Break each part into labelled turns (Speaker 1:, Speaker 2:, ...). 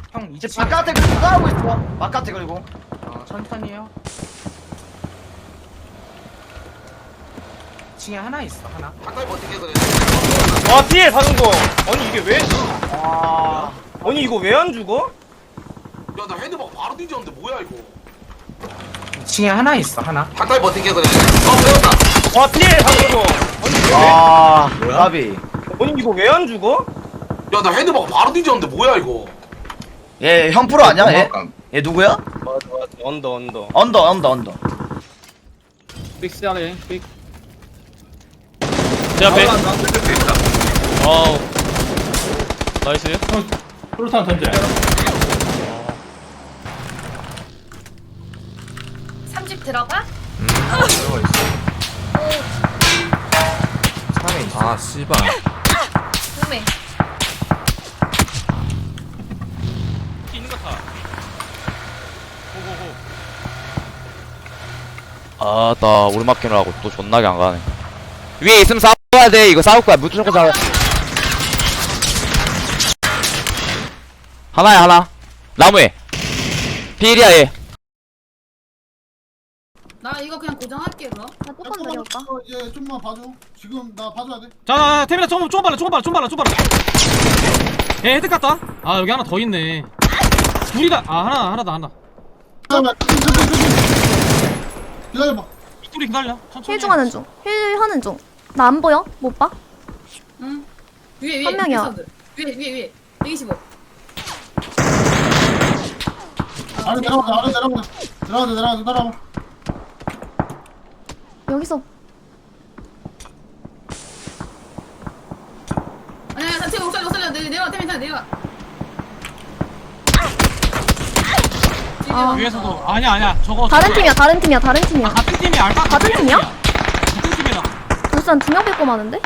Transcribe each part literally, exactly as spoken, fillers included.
Speaker 1: 형 이제
Speaker 2: 바깥에 그리고 누가 하고 있어? 바깥에 그리고
Speaker 1: 어, 천천히 해요. 이 층에 하나 있어 하나.
Speaker 3: 가까이 버티게 그래.
Speaker 4: 와 피해 사는 거. 아니 이게 왜?
Speaker 2: 와
Speaker 4: 아니 이거 왜 안 죽어?
Speaker 3: 야, 나 헤드막 바로 뒤졌는데 뭐야 이거?
Speaker 1: 이 층에 하나 있어 하나.
Speaker 3: 가까이 버티게 그래. 어, 배웠다.
Speaker 4: 와 피해 사는 거. 아니 이게 왜?
Speaker 2: 아, 까비.
Speaker 4: 아니 이거 왜 안 죽어?
Speaker 3: 야, 나 헤드막 바로 뒤졌는데 뭐야 이거?
Speaker 2: 얘 형 프로 아니야? 얘? 얘 누구야?
Speaker 4: 맞아 맞아 언더 언더.
Speaker 2: 언더 언더 언더.
Speaker 5: 빅스하래 빅.
Speaker 6: 제 앞에. 어우. 나이스.
Speaker 5: 프로탄 던져.
Speaker 7: 삼집 들어가?
Speaker 1: 차에 있어.
Speaker 8: 아 씨발
Speaker 7: 음메.
Speaker 6: 있는 거 타. 고고고.
Speaker 8: 아나 오르막길을 하고 또 존나게 안 가네. 위에 있으면 싸워야 돼. 이거 싸울 거야. 무조건 싸워. 하나야 하나. 나무에 필이야 얘.
Speaker 7: 나 이거 그냥 고정할게 그럼.
Speaker 9: 나 조금 내려올까?
Speaker 5: 얘 좀만 봐줘. 지금 나 봐줘야 돼.
Speaker 6: 자, 태민아 조금 조금 빨라, 조금 빨라, 조금 빨라, 조금 빨라. 예, 헤드 깠다. 아 여기 하나 더 있네. 둘이다. 아 하나 하나 더 하나.
Speaker 5: 잠깐만. 기다려봐.
Speaker 6: 둘이 기다려. 천천히.
Speaker 9: 힐 중하는 중. 힐 하는 중. 나 안 보여? 못 봐?
Speaker 7: 응. 위에 위에.
Speaker 9: 한 명이야.
Speaker 7: 사운드. 위에 위에 위에. 백이십오.
Speaker 5: 아래 내려가자. 아래 내려가자. 내려가자. 내려가자. 내려가자.
Speaker 9: 여기서
Speaker 7: 아니야 단체 못 살려 못 살려. 내려 내려와 태민 내려와.
Speaker 9: 아.
Speaker 6: 위에서도 아니야 아니야 저거.
Speaker 9: 다른
Speaker 6: 저거야.
Speaker 9: 팀이야. 다른 팀이야. 다른 팀이야.
Speaker 6: 아, 같은 팀이 알파.
Speaker 9: 같은 팀이야?
Speaker 6: 같은 팀이야.
Speaker 9: 울산 두명 뺏고 마는데?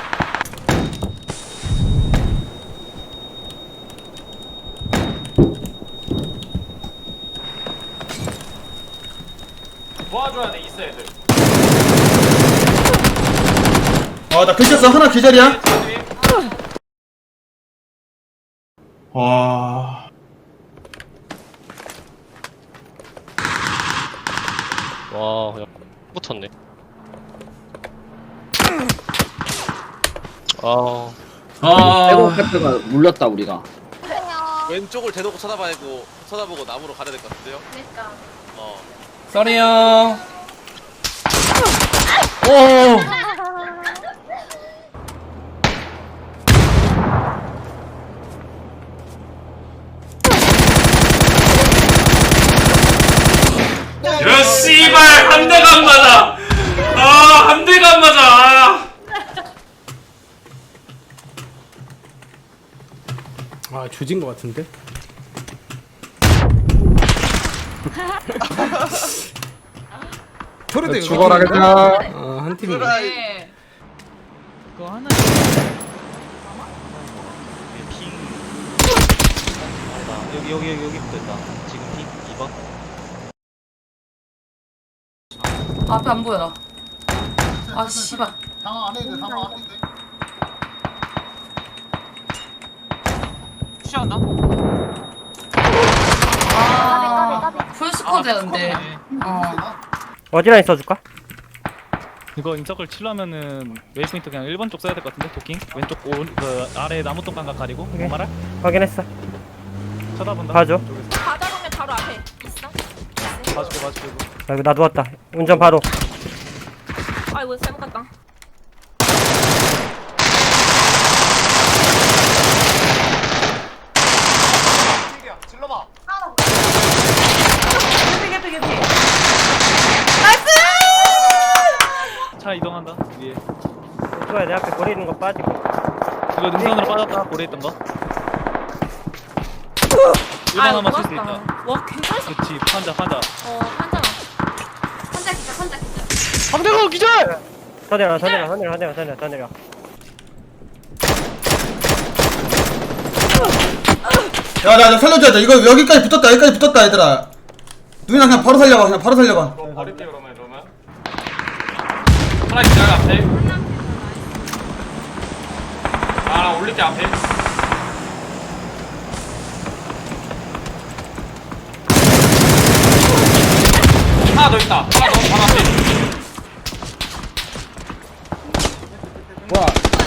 Speaker 4: 도와줘야 돼 있어 애들.
Speaker 5: 아나 괜찮어. 하나 기절이야. 와.
Speaker 6: 와, 그냥 붙었네. 아,
Speaker 5: 아.
Speaker 10: 페트가 물렸다 우리가.
Speaker 3: 왼쪽을 대놓고 쳐다봐고 쳐다보고 나무로 가야 될 것 같은데요?
Speaker 7: 그러니까.
Speaker 3: 어.
Speaker 8: 쏘리 형.
Speaker 5: 오.
Speaker 4: 야 씨발 한 대가 안 맞아. 아한 대가 안 맞아.
Speaker 5: 아 조진 거 같은데?
Speaker 8: 소리도
Speaker 5: 죽어라 그냥. 어한 팀이.
Speaker 7: 네.
Speaker 6: 그거 하나. 핑. 여기 여기 여기 여기부터 있다. 지금 핑 이 번.
Speaker 7: 앞에 안 보여. 아 씨발.
Speaker 5: 당황 안 해도 돼. 당황 안 해도 돼.
Speaker 6: 취한다.
Speaker 7: 아. 풀스쿼드였는데. 어.
Speaker 4: 어디나 있어줄까?
Speaker 6: 이거 인서클 치려면은 웨이포인트 그냥 일 번 쪽 써야 될 것 같은데 도킹 왼쪽 오른 그 아래 나무통 감각 가리고
Speaker 4: 오케이.
Speaker 6: 뭔 말할?
Speaker 4: 확인했어.
Speaker 6: 쳐다본다.
Speaker 4: 봐줘.
Speaker 6: 이쪽에서.
Speaker 7: 바다 보면 바로 앞에 있어.
Speaker 6: 봐줄게 봐줄게.
Speaker 4: 아이고 나 누웠다. 운전 바로.
Speaker 7: 아이고 잘못 갔다.
Speaker 1: 질러봐.
Speaker 6: 차 이동한다 위에.
Speaker 4: 좋아 내 앞에 고리 있는 거 빠지고.
Speaker 6: 이거 능선으로 빠졌다 고래 있던 거. 일 번 아마 쓸 수 있다.
Speaker 7: 와 괜찮았어.
Speaker 6: 그치 판자 판자.
Speaker 7: 어 환자. 환자 기자 환자 기자.
Speaker 6: 상대가 기절.
Speaker 4: 더 내려 더 내려 더 내려 더 내려 더 내려 더 내려.
Speaker 5: 야나 나 살려줘야 돼. 이거 여기까지 붙었다. 여기까지 붙었다 얘들아. 누이나 그냥 바로 살려봐. 그냥 바로 살려봐.
Speaker 4: 버릴게 그러면 그러면.
Speaker 6: 하나 기절 앞에.
Speaker 4: 아나 올릴게 앞에.
Speaker 6: 더 있다. 하나 더 바로 앞에.
Speaker 10: 뭐야?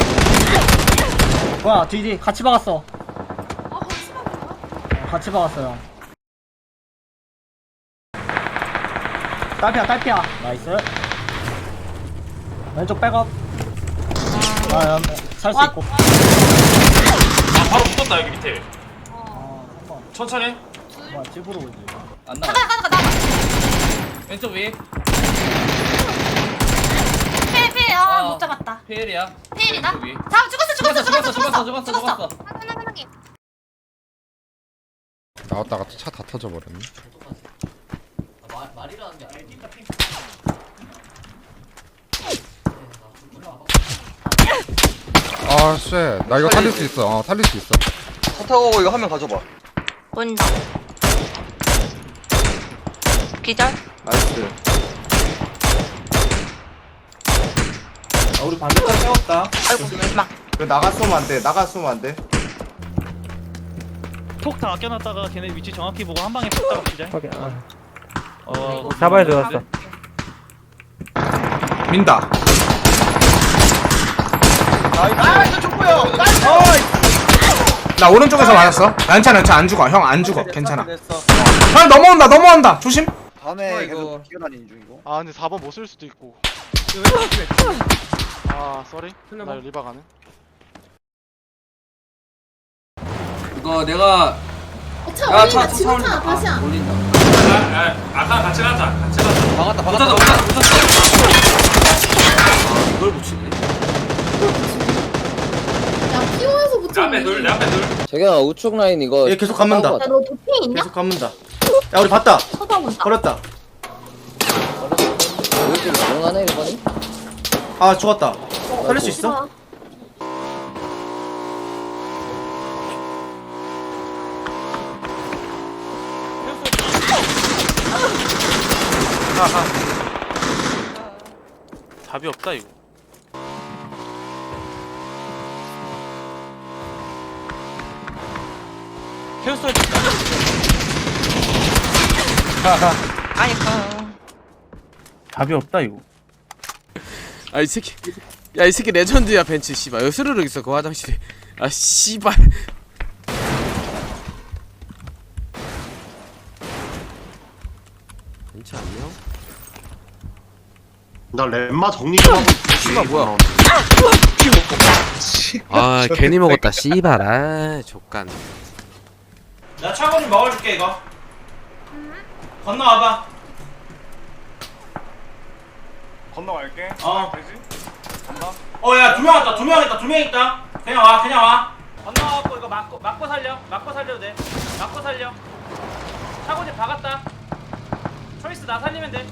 Speaker 10: 뭐야? 뒤뒤 같이 박았어.
Speaker 7: 어 심하구나.
Speaker 10: 어, 같이 박았어요. 딸피야, 딸피야. 나이스. 왼쪽 백업. 아, 살 수 있고.
Speaker 6: 아 바로 붙었다 여기 밑에.
Speaker 10: 어, 한번.
Speaker 6: 천천히.
Speaker 10: 뭐야, 집으로 오지.
Speaker 3: 안
Speaker 7: 가자
Speaker 3: 나가.
Speaker 7: 가자 가자.
Speaker 3: 왼쪽 위에
Speaker 7: 필필
Speaker 3: 어.
Speaker 7: 아못 잡았다.
Speaker 3: 페일이야.
Speaker 7: 필이다.
Speaker 3: 왼쪽 위에.
Speaker 7: 잡 죽었어 죽었어
Speaker 3: 죽었어,
Speaker 7: 죽었어
Speaker 3: 죽었어,
Speaker 7: 죽었어
Speaker 3: 죽었어, 죽었어.
Speaker 7: 하나 하나 하나.
Speaker 11: 나왔다가 차 다 터져버렸네. 아, 쉣. 나 이거 살릴 수 있어. 어, 살릴 수 있어.
Speaker 2: 차 타고 이거 한 명 가져봐.
Speaker 7: 보인다. 기절.
Speaker 2: 나이스.
Speaker 1: 아, 우리 반대편 세웠다.
Speaker 7: 아이고 막.
Speaker 1: 그 나갔으면 안 돼. 나갔으면 안 돼.
Speaker 6: 톡 다 아껴놨다가 걔네 위치 정확히 보고 한 방에 톡 따라 치자. 어
Speaker 7: 잡아야 되었어.
Speaker 1: 민다.
Speaker 2: 나이스 족보요. 나이스.
Speaker 1: 나 오른쪽에서 맞았어. 괜찮아, 괜찮아. 안 죽어. 형 안 죽어. 괜찮아.
Speaker 2: 됐어.
Speaker 1: 형 넘어온다, 넘어온다. 조심.
Speaker 2: 밤에 계속 뛰어다니는 중이고.
Speaker 3: 아 근데 사 번 못 쓸 수도 있고. 아 쏘리. 나 리바 가네.
Speaker 2: 이거 내가
Speaker 9: 차 올린다. 지금 차 다시야.
Speaker 2: 올린다.
Speaker 6: 아까 같이 가자. 같이 가자.
Speaker 2: 박았다 박았다. 박았다. 이걸 붙이네.
Speaker 9: 야 피오에서 붙여.
Speaker 6: 내 앞에 둘, 내 앞에 둘.
Speaker 8: 재경아 우측 라인 이거
Speaker 2: 얘 계속 감는다.
Speaker 9: 야너 도핑 있냐?
Speaker 1: 계속 감는다. 야, 우리 봤다.
Speaker 9: 쳐다본다.
Speaker 1: 걸었다.
Speaker 8: 우측 가능하네 일반이?
Speaker 1: 아, 죽었다. 살릴 수 있어?
Speaker 3: 답이 없다 이거. 캐스터 해줄까?
Speaker 6: 답이 없다 이거.
Speaker 3: 아 이 새끼. 야 이 새끼 레전드야 벤츠 씨발. 여기 스르륵 있어 그 화장실에. 아 씨발. 벤츠 안녕?
Speaker 11: 나 렘마 정리 좀 하고
Speaker 3: 씨발 뭐야? 아 괜히 먹었다 씨발. 아 족간.
Speaker 6: 나 차고 좀 먹어줄게 이거. 건너와봐.
Speaker 3: 건너갈게.
Speaker 6: 어.
Speaker 3: 되지? 간다.
Speaker 6: 어, 야, 두 명 왔다, 두 명 있다, 두 명 있다. 그냥 와, 그냥 와. 건너와갖고 이거 막고, 막고 살려. 막고 살려도 돼. 막고 살려. 차고지 박았다. 초이스 나 살리면 돼.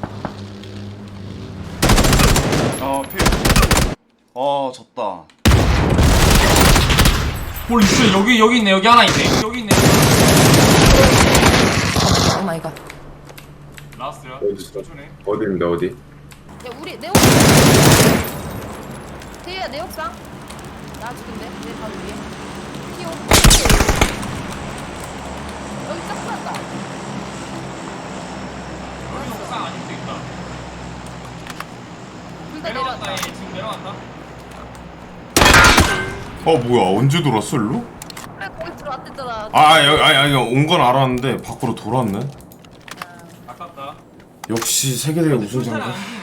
Speaker 3: 어 필. 어 졌다.
Speaker 6: 뭘 있어, 여기, 여기 있네, 여기 하나 있네. 여기 있네.
Speaker 7: 오 마이 갓.
Speaker 6: 라스트야.
Speaker 11: 어디입니다, 어디?
Speaker 7: 야 우리 내 옥상. 대야 내 옥상. 나 죽은데 내 바로 위에. 피오. 여기 딱 났다.
Speaker 6: 여기 옥상 아닐 수도 있다.
Speaker 7: 둘 다
Speaker 6: 내려왔다,
Speaker 7: 내려왔다.
Speaker 6: 얘 지금 내려왔다.
Speaker 11: 어, 뭐야, 언제 돌았어, 일로?
Speaker 7: 그래 거기 들어왔댔잖아.
Speaker 11: 아, 여기, 아니, 아니, 온 건 알았는데, 밖으로 돌았네.
Speaker 6: 아깝다.
Speaker 11: 역시 세계대회 우승자인가?